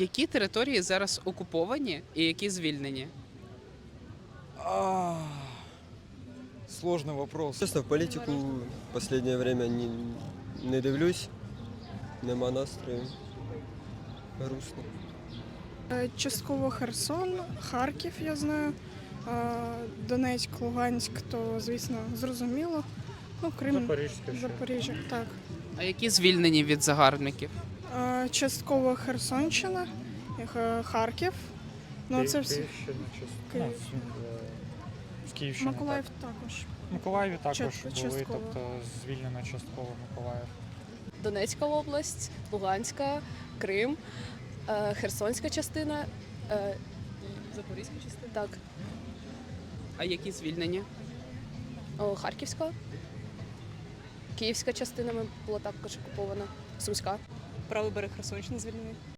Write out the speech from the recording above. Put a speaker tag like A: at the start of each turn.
A: Які території зараз окуповані і які звільнені?
B: А, Сложный вопрос.
C: Чесно, в політику в останнє время не дивлюсь, нема настрою. Грустно.
D: Частково Херсон, Харків, я знаю, Донецьк, Луганськ, то, звісно, зрозуміло. Ну, Крим, Запоріжжя, так.
A: А які звільнені від загарбників?
D: Частково Херсонщина, Харків. Ну, це всі.
E: В Київщині.
D: Миколаїв також.
E: В Миколаєві також були,
D: частково.
E: тобто звільнено частково Миколаїв.
F: Донецька область, Луганська, Крим, Херсонська частина,
A: Запорізька частина.
F: так,
A: А які звільнені?
F: Харківська, Київська частина була також окупована, Сумська.
G: Правий берег Херсонщини звільнений.